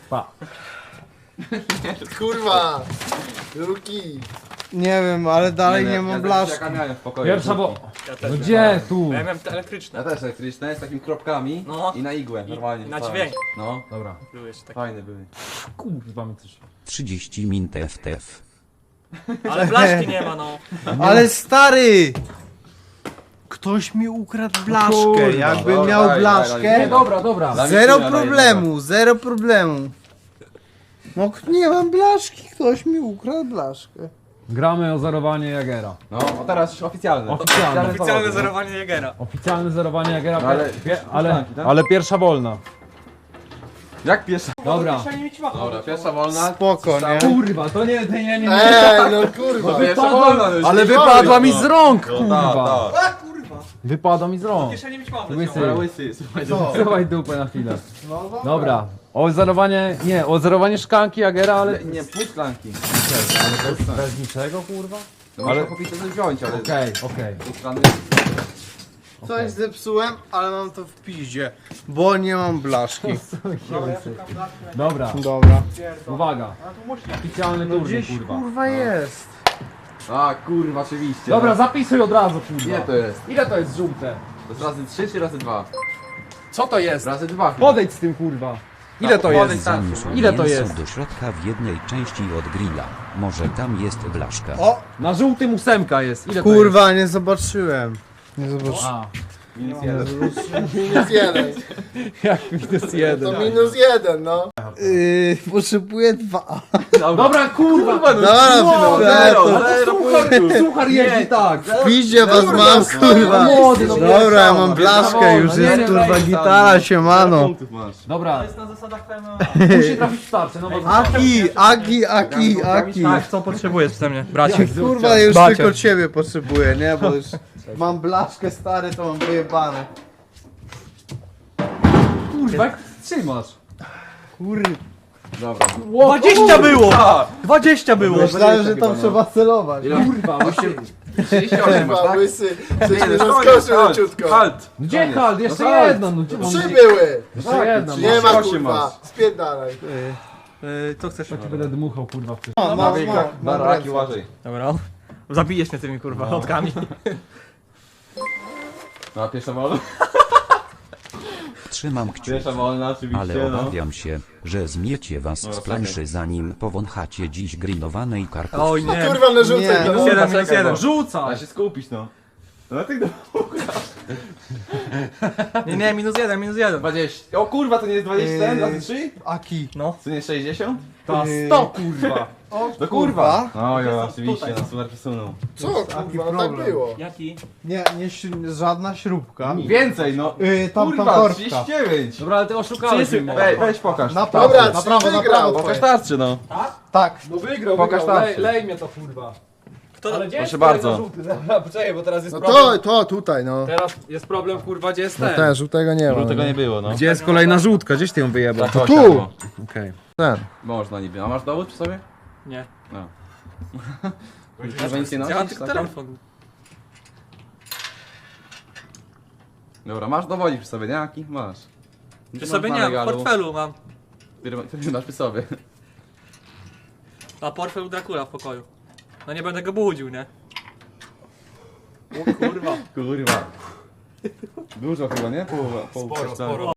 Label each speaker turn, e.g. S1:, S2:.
S1: Pa.
S2: Kurwa! Ruki!
S3: Nie wiem, ale dalej nie mam blaszki.
S4: Jaka miałem w pokoju.
S1: Pierwsza bo...
S5: Ja też
S1: No gdzie tu?
S5: Ja miałem te elektryczne.
S4: Ja też elektryczne, z takimi kropkami
S5: No.
S4: i na igłę, normalnie.
S5: na
S4: wstałem.
S5: dźwięk.
S4: No,
S1: Dobra.
S5: Były jeszcze takie.
S4: fajne były.
S1: Kurwa mi coś...
S6: 30 min TFTF.
S5: Ale blaszki nie ma, no.
S3: Ale stary! Ktoś mi ukradł blaszkę.
S1: kurwa,
S3: Jakbym
S4: dobra,
S3: miał
S4: daj,
S3: blaszkę,
S4: daj,
S1: Dobra, dobra.
S4: Dla mnie
S3: zero
S4: chwila,
S3: problemu, zero problemu. No nie mam blaszki, ktoś mi ukradł blaszkę.
S1: Gramy o zerowanie Jagera.
S4: No, a teraz już oficjalne.
S1: Oficjalne.
S5: Oficjalne
S4: powody,
S5: zerowanie Jägera.
S1: Oficjalne zerowanie Jagera,
S4: No, ale-
S1: ale pierwsza wolna.
S4: no. Jak pierwsza?
S1: Dobra.
S4: Dobra, pierwsza wolna.
S3: Spoko, nie?
S1: Kurwa, to nie.
S2: No kurwa!
S4: Pierwsza wolna, no już
S1: Ale
S4: nie
S1: wypadła
S4: wolno.
S1: mi z rąk,
S4: No,
S1: kurwa.
S4: tak.
S1: Wypadła mi z rąk.
S5: Kieszeni mieć mam.
S1: Łysy.
S4: Dobra, łysy, słuchaj.
S1: Zachowaj dupę na chwilę. Dobra. O zerowanie, nie, o zerowanie szklanki Jagera, ale...
S4: Nie, pół szklanki.
S1: Bez niczego, kurwa?
S4: No, ale kupić to wziąć, ale...
S1: Okej.
S4: Pół szklany.
S3: Coś zepsułem, ale mam to w piździe, bo nie mam blaszki.
S1: Dobra,
S3: Dobra.
S1: uwaga. Oficjalny turniej, kurwa.
S3: Kurwa jest.
S4: A, kurwa, oczywiście.
S1: Dobra,
S4: no.
S1: zapisuj od razu, kurwa.
S4: Ile to jest?
S1: Ile to jest żółte?
S4: To jest razy 3 czy razy 2?
S1: Co to jest?
S4: Razy 2.
S1: Podejdź z tym, kurwa. Ile to
S4: Podejdź
S1: jest?
S4: tam.
S1: Ile to
S6: Mięso
S1: jest?
S6: do środka w jednej części od grilla. Może tam jest blaszka.
S3: O,
S1: Na żółtym 8 jest. Ile
S3: kurwa, nie zobaczyłem. Nie
S1: to jest?
S3: zobaczyłem.
S1: A,
S4: Minus 1.
S2: Minus jeden.
S1: jak minus 1.
S2: To minus jeden, no.
S3: Potrzebuję 2.
S1: Dobra, kurwa.
S3: Dobra,
S1: Suchar jeździ tak.
S3: w piździe was mam, kurwa.
S1: Młody, no
S3: Dobra, ja mam blaszkę, już
S1: Nie,
S3: jest
S1: nie,
S3: kurwa
S1: nie,
S3: gitara, siemano.
S4: Punktów masz.
S1: Dobra,
S5: jest na zasadach PMA.
S1: musi trafić w starcie, no bo...
S3: Aki.
S5: Tak, co potrzebujesz ode mnie, bracie?
S3: Kurwa, już
S5: Bacio.
S3: tylko ciebie potrzebuję, nie? Bo już mam blaszkę stary, to mam wyjebane.
S1: Kurwa, jak trzymasz?
S3: Kurwa.
S4: Dobra.
S5: 20 było! 20 było!
S3: Myślałem, że tam trzeba celować.
S1: Kurwa,
S4: 38 masz,
S2: Kurwa,
S4: tak?
S2: łysy. Coś mi
S4: Koniec,
S2: rozkoczył
S4: halt,
S2: leciutko.
S4: halt.
S1: Gdzie hal? Jeszcze
S4: No tak.
S1: jedna, no gdzie mam...
S2: Trzy były.
S1: Jeszcze jedna,
S2: Nie ma
S4: 38
S2: kurwa.
S4: masz.
S2: Spierdalaj.
S5: Co chcesz?
S1: Ja będę dmuchał, kurwa, w tym.
S4: Na raki uważaj.
S5: Dobra. Zabijesz mnie tymi kurwa lotkami.
S4: No, a pierwsza wolna?
S6: Trzymam kciuki.
S4: Pierwsza wolna, oczywiście,
S6: Ale
S4: no.
S6: obawiam się, że zmiecie was z planszy zanim powąchacie dziś grillowanej kartofli.
S5: Oj nie.
S2: Kurwa, no rzucaj
S3: Nie.
S2: go.
S5: Minus jeden, minus
S4: czekaj,
S5: jeden.
S4: bo-
S1: Rzucaj!
S4: A się skupić, no. No ty do...
S5: Nie, minus jeden, minus jeden.
S4: 20. O kurwa, to nie jest 21 razy 3?
S3: Aki.
S5: No.
S4: To nie jest 60?
S1: Ta 100, kurwa!
S4: No kurwa.
S3: Kurwa.
S4: No ja oczywiście, na super przesunął.
S2: Co kurwa, no tak
S3: problem.
S2: było.
S5: Jaki?
S3: Nie, żadna śrubka.
S4: Więcej, no.
S3: Tam
S4: Kurwa,
S3: torbka.
S4: 39.
S1: Dobra, ale ty oszukałeś mnie.
S4: Weź pokaż.
S3: Na
S2: Dobra,
S3: prawo, na
S2: trzy
S3: prawo, na
S2: wygrał.
S3: prawo.
S4: Pokaż tarczy, no.
S3: Tak.
S1: No wygrał,
S4: Pokaż
S1: wygrał.
S4: tarczę.
S1: Lej mnie to, kurwa. Ale gdzie
S4: Proszę
S1: jest
S4: bardzo.
S1: kolejny żółty? Dobra, poczekaj, bo teraz jest
S2: No
S1: problem.
S2: to tutaj, no.
S1: Teraz jest problem, kurwa, gdzie jest ten?
S2: Ten, żółtego nie ma.
S4: Tego nie było, no.
S1: Gdzie jest kolejna żółtka? Gdzieś ty ją wyjebał?
S4: To
S2: tu.
S1: Okej.
S2: Ten.
S4: Można niby. A masz dowód przy sobie?
S5: Nie.
S4: No. Może nic nie
S5: Ja mam
S4: nosisz?
S5: tylko
S4: tak?
S5: telefon.
S4: Dobra, masz dowodzik przy sobie, nie? Jaki? Masz.
S5: Przy sobie nie mam, w portfelu mam.
S4: Który masz przy sobie.
S5: A portfel u Dracula w pokoju. No nie będę go budził, nie? O kurwa.
S4: Kurwa. Dużo chyba, nie? Połowa.
S5: Sporo.